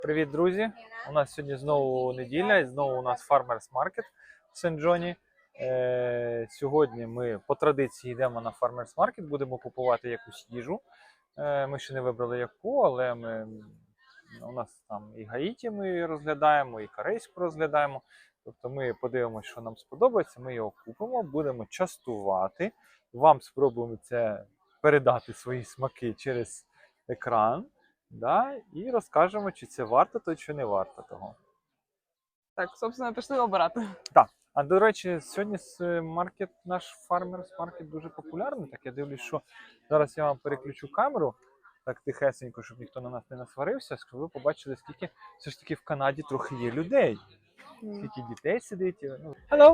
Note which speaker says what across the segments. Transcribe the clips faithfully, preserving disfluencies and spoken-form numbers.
Speaker 1: Привіт, друзі! У нас сьогодні знову неділя і знову у нас Farmers Market в Сен-Джоні. Е, сьогодні ми по традиції йдемо на Farmers Market, будемо купувати якусь їжу. Е, ми ще не вибрали яку, але ми, у нас там і Гаїті ми розглядаємо, і корейську розглядаємо. Тобто ми подивимося, що нам сподобається, ми його купимо, будемо частувати. Вам спробуємо це передати свої смаки через екран. Да, і розкажемо, чи це варто того, чи не варто того.
Speaker 2: Так, собственно, пішли обирати.
Speaker 1: Так. А до речі, сьогодні маркет, наш Farmers Market дуже популярний. Так, я дивлюсь, що зараз я вам переключу камеру, так тихесенько, щоб ніхто на нас не насварився, щоб ви побачили, скільки все ж таки в Канаді трохи є людей. Скільки дітей сидить. Ну. Hello!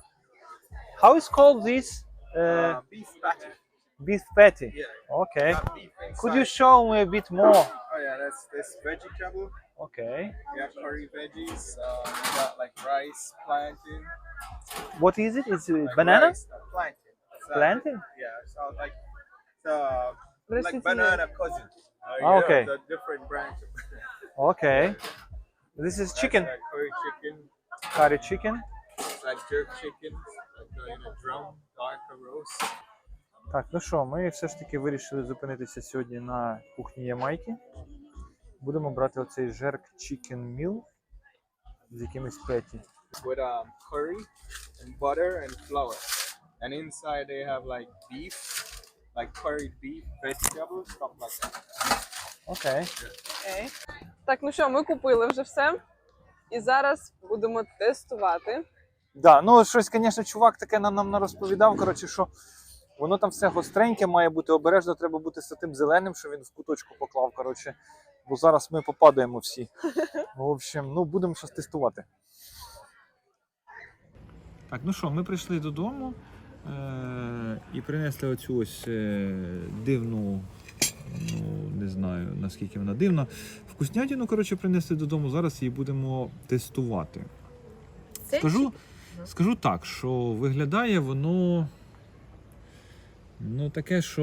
Speaker 1: How is called this? Uh,
Speaker 3: Uh, beef patty.
Speaker 1: beef patty.
Speaker 3: Yeah.
Speaker 1: Okay.
Speaker 3: Got beef inside.
Speaker 1: Could you show me a bit more?
Speaker 3: Oh yeah, that's this vegetable.
Speaker 1: Okay.
Speaker 3: We have curry veggies. Uh, we got like rice, plantain.
Speaker 1: What is it? Is it
Speaker 3: Like
Speaker 1: banana?
Speaker 3: rice, uh, plantain. It's, uh,
Speaker 1: Plantain?
Speaker 3: Yeah, so like it's, uh, like
Speaker 2: Растительное.
Speaker 3: banana cousin. Uh,
Speaker 1: Ah,
Speaker 3: yeah,
Speaker 1: okay.
Speaker 3: The different branch. of
Speaker 1: Okay. This is
Speaker 3: That's
Speaker 1: chicken.
Speaker 3: like curry chicken.
Speaker 1: Curry chicken.
Speaker 3: It's like jerk chicken, like uh, in a drum, darker roast.
Speaker 1: Так, ну що, ми все ж таки вирішили зупинитися сьогодні на кухні Ямайки. Будемо брати оцей jerk chicken meal з якимись петі.
Speaker 3: With um, curry and butter and flour. And inside they have like beef, like curried beef, vegetables, stuff like that.
Speaker 1: Окей.
Speaker 2: Окей. Так, ну що, ми купили вже все. І зараз будемо тестувати.
Speaker 1: Да, ну щось, звісно, чувак таке нам, нам розповідав, коротше, що воно там все гостреньке має бути, обережно треба бути з тим зеленим, що він в куточку поклав, коротше. Бо зараз ми попадаємо всі. В общем, ну будемо щось тестувати. Так, ну що, ми прийшли додому е- і принесли оцю ось е- дивну, ну не знаю наскільки вона дивна, вкуснятину, коротше, принесли додому, зараз її будемо тестувати. Скажу, скажу так, що виглядає воно, ну таке, що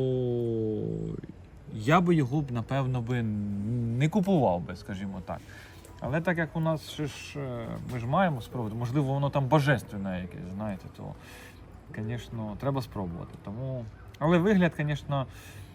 Speaker 1: я би його б, напевно, би не купував би, скажімо так. Але так як у нас ще ж, ми ж маємо спробувати, можливо, воно там божественне якесь, знаєте, то, звісно, треба спробувати. Тому... Але вигляд, звісно,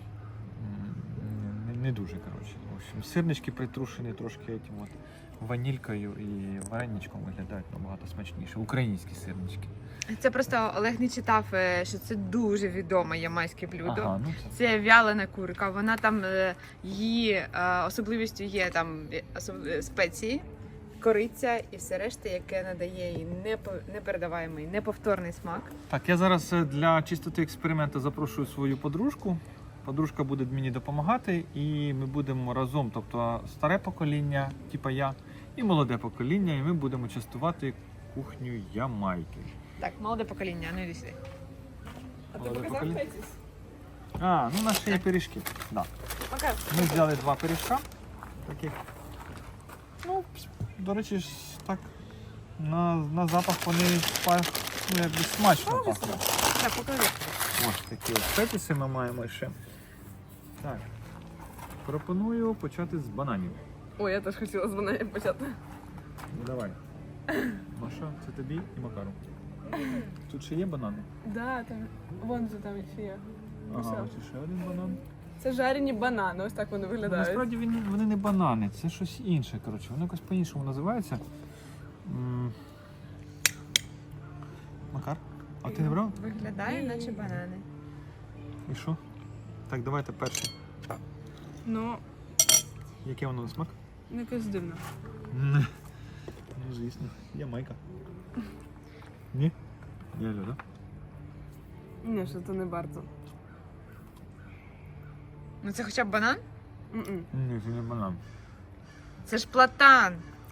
Speaker 1: не, не дуже, коротше. В общем, сирнички притрушені трошки этим от ванількою і вареничком виглядають набагато смачніше. Українські сирнички.
Speaker 4: Це просто Олег не читав, що це дуже відоме ямайське блюдо.
Speaker 1: Ага, ну це...
Speaker 4: Це вялена курка. Вона там, її особливістю є там особ- спеції, кориця і все решта, яке надає їй непо- непередаваємий, неповторний смак.
Speaker 1: Так, я зараз для чистоти експерименту запрошую свою подружку. Подружка буде мені допомагати і ми будемо разом, тобто старе покоління, типа я, і молоде покоління, і ми будемо частувати кухню Ямайки.
Speaker 4: Так, молоде покоління, ну йди сюди.
Speaker 2: А ти
Speaker 1: Молоде
Speaker 2: показав
Speaker 1: покоління?
Speaker 2: петіс?
Speaker 1: А, ну у нас ще є пиріжки. Да.
Speaker 2: Покажи.
Speaker 1: Ми взяли два пиріжка таких. Ну, до речі, ж так на, на запах вони ну, якби смачно пахнуть.
Speaker 4: Так, покажи.
Speaker 1: Ось такі ось петіси ми маємо ще. Так. Пропоную почати з бананів.
Speaker 2: Ой, я теж хотіла з бананів почати.
Speaker 1: Ну, давай. Маша, це тобі і Макару. Тут ще є банани?
Speaker 2: Да, там, вон же там ще є.
Speaker 1: Ага, ось ще один банан.
Speaker 2: Це жарені банани, ось так вони
Speaker 1: Ну,
Speaker 2: виглядають.
Speaker 1: насправді вони, вони не банани, це щось інше, коротше. Воно якось по-іншому називається. М. Макар, а ти не брав?
Speaker 4: Виглядає, наче банани.
Speaker 1: І що? Так, давайте перше.
Speaker 2: Ну,
Speaker 1: Яке воно на смак?
Speaker 2: якось дивно.
Speaker 1: Ну, звісно, Ямайка. Ні? Я люблю, так?
Speaker 2: Ні, що це не варто.
Speaker 4: Ну це хоча б банан?
Speaker 2: М-м.
Speaker 1: Ні, це не банан.
Speaker 4: Це ж платан.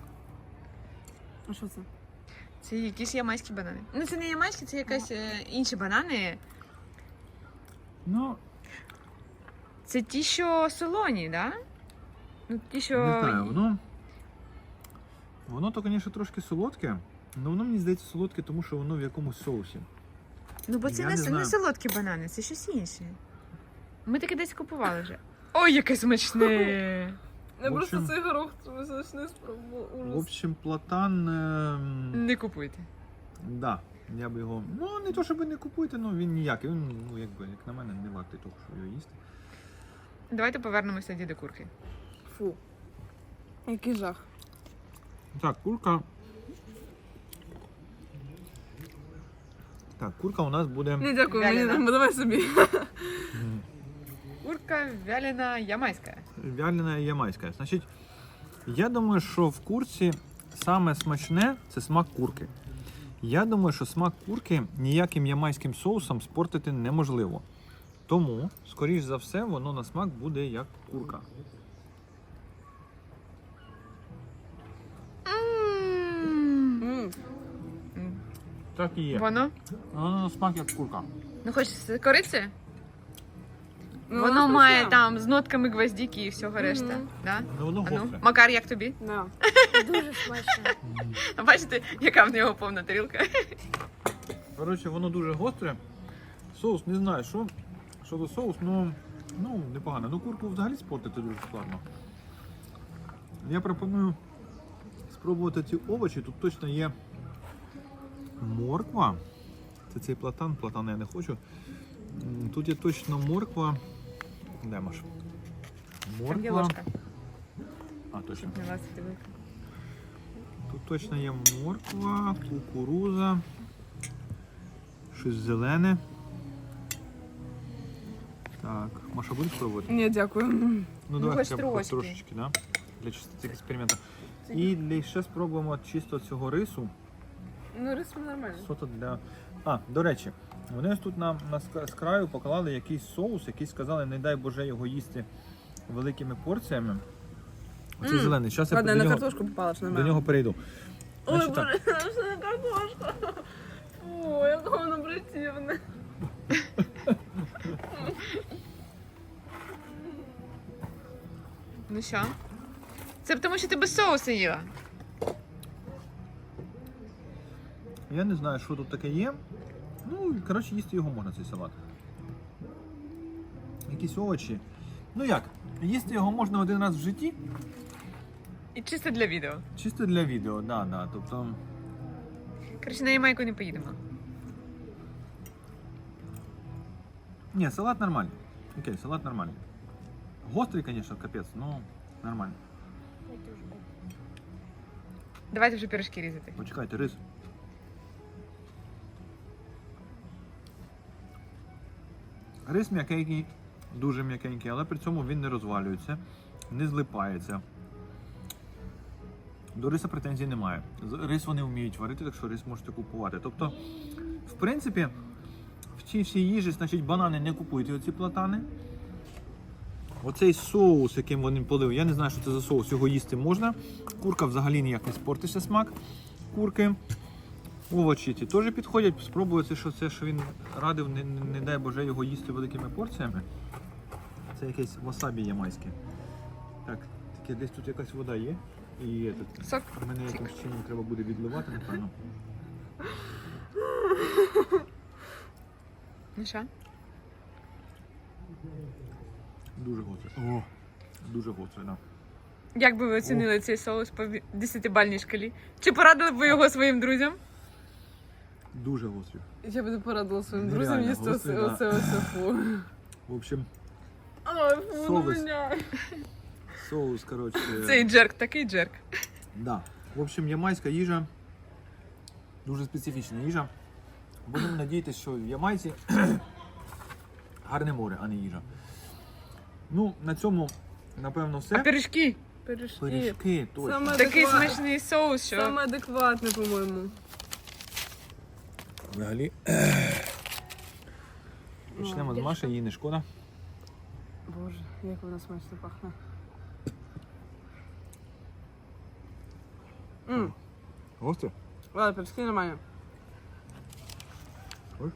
Speaker 2: А що це?
Speaker 4: Це якісь ямайські банани. Ну це не ямайські, це якась е, інші банани.
Speaker 1: Ну,
Speaker 4: Це ті, що солоні, да? Ну, ті, що...
Speaker 1: не знаю, воно... Воно то, звісно, трошки солодке, але воно, мені здається, солодке, тому що воно в якомусь соусі.
Speaker 4: Ну, бо це
Speaker 1: Я
Speaker 4: не,
Speaker 1: не
Speaker 4: не,
Speaker 1: знаю.
Speaker 4: солодкі банани, це щось інше. Ми таке десь купували вже. Ой, яке смачне!
Speaker 2: Я
Speaker 1: В
Speaker 2: просто
Speaker 1: общем-
Speaker 2: цей горох значний спробував.
Speaker 1: В
Speaker 2: Ужас.
Speaker 1: общем, платан. ем,
Speaker 4: Не купуйте.
Speaker 1: Да, я би його. Ну, не то, щоб ви не купуєте, ну він ніякий. Він, ну, якби, як на мене, не вартий того, щоб його їсти.
Speaker 4: Давайте повернемося до курки.
Speaker 2: Фу. Який жах.
Speaker 1: Так, курка. Так, курка у нас буде.
Speaker 2: Ні, дякую, мені
Speaker 4: Вялена.
Speaker 2: не давай собі.
Speaker 1: м,
Speaker 4: Курка вялена ямайська.
Speaker 1: Вялена ямайська. Значить, я думаю, що в курці саме смачне це смак курки. Я думаю, що смак курки ніяким ямайським соусом спортити неможливо. Тому, скоріш за все, воно на смак буде як курка.
Speaker 2: М.
Speaker 1: Так і є.
Speaker 4: Воно?
Speaker 1: Воно на смак як курка.
Speaker 4: Ну хоч з кориці?
Speaker 2: Ну,
Speaker 4: Воно
Speaker 2: воно
Speaker 4: має
Speaker 2: смачне.
Speaker 4: там з нотками гвоздики і всього решта.
Speaker 2: Мгм.
Speaker 4: Да?
Speaker 1: Ну, воно
Speaker 4: А ну,
Speaker 1: гостре.
Speaker 4: Макар, як тобі?
Speaker 2: Да.
Speaker 5: Дуже смачно.
Speaker 4: А бачите, яка в нього повна тарілка?
Speaker 1: Коротше, воно дуже гостре. Соус, не знаю, що. Що за соус, ну, ну непогано. Ну, курку взагалі спортити дуже складно. Я пропоную спробувати ці овочі. Тут точно є морква. Це цей платан, платан я не хочу. М, Тут є точно морква. Де Маш?
Speaker 4: Там є
Speaker 1: Морква.
Speaker 4: ложка.
Speaker 1: А, точно.
Speaker 4: Не лазити велика.
Speaker 1: Тут точно є морква, кукуруза, щось зелене. Так, Маша, будеш пробувати?
Speaker 2: Ні, дякую.
Speaker 1: Ну давай
Speaker 4: хоч
Speaker 1: хоча б хоч
Speaker 4: трошки.
Speaker 1: трошечки, да? Для чистоти експерименту. І для ще спробуємо чисто цього рису.
Speaker 2: Ну, рис нормально.
Speaker 1: Що-то для. А, до речі, вони ось тут нам на ск- з краю поклали якийсь соус, який сказали, не дай Боже його їсти великими порціями. Оцей
Speaker 2: М,
Speaker 1: зелений. Зараз я
Speaker 2: Ладно,
Speaker 1: до
Speaker 2: я на
Speaker 1: нього,
Speaker 2: картошку попала, що
Speaker 1: до
Speaker 2: нормально.
Speaker 1: нього перейду.
Speaker 2: Ой,
Speaker 1: Значить, так.
Speaker 2: боже, що не картошка. Фу, яке воно противне.
Speaker 4: Ну що? Це тому, що ти без соусу їла.
Speaker 1: Я не знаю, що тут таке є. Ну, коротше, їсти його можна, цей салат. Якісь овочі. Ну як, їсти його можна один раз в житті,
Speaker 4: І чисто для відео.
Speaker 1: чисто для відео, да, да. Тобто,
Speaker 4: Коротше, на Ямайку не поїдемо.
Speaker 1: ні, салат нормальний. Окей, салат нормальний. Гострий, звісно, капець, ну нормально.
Speaker 4: Давайте вже пирожки різати.
Speaker 1: Почекайте, рис. Рис м'якенький, дуже м'якенький, але при цьому він не розвалюється, не злипається. До риса претензій немає. З- Рис вони вміють варити, так що рис можете купувати. Тобто, в принципі, в цій всій їжі, значить, банани не купуйте оці платани. Оцей соус, яким вони полили, я не знаю, що це за соус, його їсти можна. Курка взагалі ніяк не спортиться смак курки. Овочі ці теж підходять. Спробуйте, що це, що він радив, не, не, не дай Боже його їсти великими порціями. Це якесь васабі ямайське. Так, таке десь тут якась вода є. І є тут.
Speaker 4: Сок.
Speaker 1: Мене якимось чином треба буде відливати, напевно.
Speaker 4: Ну що?
Speaker 1: Дуже гостре. О, дуже гостре, так. Да.
Speaker 4: Як би ви оцінили цей соус по десятибальній шкалі? Чи порадили б ви його своїм друзям?
Speaker 1: Дуже гострий.
Speaker 2: Я би порадила своїм
Speaker 1: Нереально
Speaker 2: друзям їсти
Speaker 1: гострий,
Speaker 2: оце,
Speaker 1: да.
Speaker 2: оце, оце, фу.
Speaker 1: В общем,
Speaker 2: Ой, фу, ну
Speaker 1: Соус.
Speaker 2: мене.
Speaker 1: соус, коротше.
Speaker 4: Цей джерк, такий джерк.
Speaker 1: Да. В общем, ямайська їжа дуже специфічна їжа. Будемо надіятися, що в Ямайці гарне море, а не їжа. Ну, на цьому, напевно,
Speaker 4: А
Speaker 1: все.
Speaker 4: пиріжки?
Speaker 2: Пиріжки.
Speaker 1: Пиріжки, точно.
Speaker 2: Саме
Speaker 4: Такий
Speaker 2: адекват-
Speaker 4: смачний соус, що
Speaker 2: Саме адекватне, по-моєму.
Speaker 1: Взагалі. Почнемо з Маші, їй не шкода.
Speaker 2: Боже, як вона смачно пахне. Ммм,
Speaker 1: Гостре?
Speaker 2: ладно, пиріжки нормально.
Speaker 1: Ой.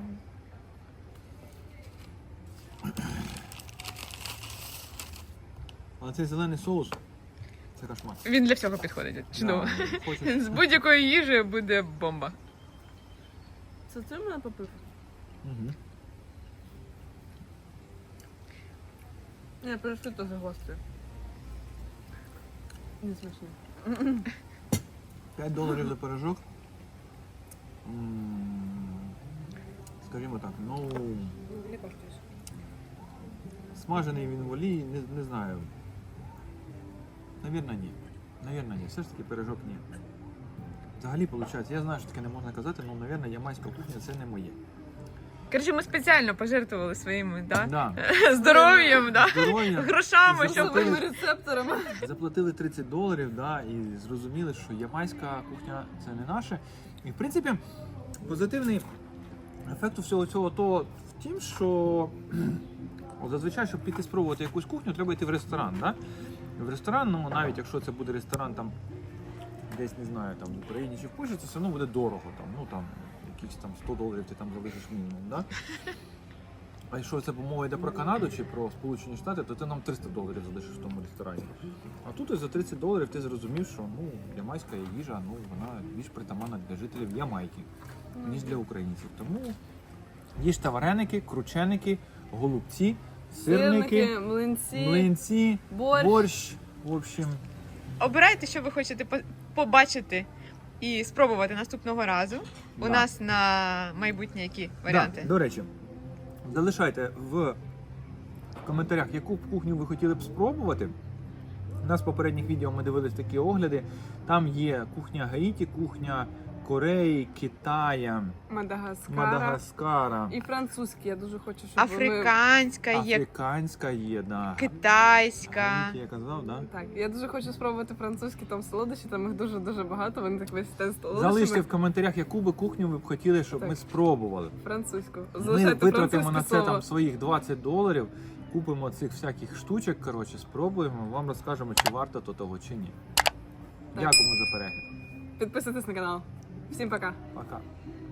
Speaker 1: А цей зелений соус це кошмар.
Speaker 4: він для всього підходить. Чудово.
Speaker 1: Да, хочеш-
Speaker 4: З будь-якої їжі буде бомба.
Speaker 2: Це ти мене попив?
Speaker 1: Мгм.
Speaker 2: Ні, пиріжки теж гострі. Не смачно.
Speaker 5: п'ять доларів за пирожок. М, Скажімо так, ну.
Speaker 4: Не коштуєш.
Speaker 5: Смажений він в олії, не, не знаю. Навірно, ні. Навірно, ні. Все ж таки пирожок ні. Взагалі, виходить, я знаю, що таке не можна казати, але, навірно, ямайська кухня це не моє.
Speaker 4: Коротше, ми спеціально пожертвували своїм да?
Speaker 5: Да.
Speaker 4: здоров'ям, да?
Speaker 5: Здоров'я.
Speaker 4: грошами, щоб
Speaker 2: Своїми рецепторами.
Speaker 5: Заплатили тридцять доларів, да, і зрозуміли, що ямайська кухня це не наше. І в принципі, позитивний ефект у всього цього то в тім, що от зазвичай, щоб піти спробувати якусь кухню, треба йти в ресторан. Да? В ресторан, ну навіть якщо це буде ресторан там десь не знаю, там в Україні чи в Польщі, це все одно буде дорого. Там, ну там якісь там сто доларів ти там залишиш мінімум. Да? А якщо це мова йде про Канаду чи про Сполучені Штати, то ти нам триста доларів залишиш в тому ресторані. А тут ось за тридцять доларів ти зрозумів, що ну, ямайська їжа, ну, вона більш притаманна для жителів Ямайки, ніж для українців. Тому їжте вареники, крученики, голубці, сирники,
Speaker 2: Сирники, млинці,
Speaker 5: млинці,
Speaker 2: борщ.
Speaker 5: борщ. В общем,
Speaker 4: обирайте, що ви хочете по- побачити і спробувати наступного разу. У
Speaker 5: да.
Speaker 4: нас на майбутнє які варіанти?
Speaker 5: Да, до речі, залишайте в коментарях, яку б кухню ви хотіли б спробувати. У нас в попередніх відео ми дивились такі огляди. Там є кухня Гаїті, кухня Кореї, Китая,
Speaker 2: Мадагаскара.
Speaker 5: Мадагаскара,
Speaker 2: І французькі. Я дуже хочу, щоб вони...
Speaker 4: Африканська є,
Speaker 5: африканська є, да.
Speaker 4: китайська.
Speaker 5: Гаїті, я казав, да?
Speaker 2: Так, я дуже хочу спробувати французькі там солодощі, там їх дуже-дуже багато, вони так весь стенд з
Speaker 5: Залиште
Speaker 2: солодощами.
Speaker 5: в коментарях, яку би кухню ви б хотіли, щоб
Speaker 2: Так.
Speaker 5: ми спробували.
Speaker 2: Французьку.
Speaker 5: Ми
Speaker 2: Залишайте
Speaker 5: витратимо на
Speaker 2: французьке
Speaker 5: це
Speaker 2: слово.
Speaker 5: там своїх двадцять доларів, купимо цих всяких штучок, коротше, спробуємо, вам розкажемо, чи варто то того, чи ні. Дякуємо за перегляд.
Speaker 2: Підписуйтесь на канал. Всім пока.
Speaker 5: Пока.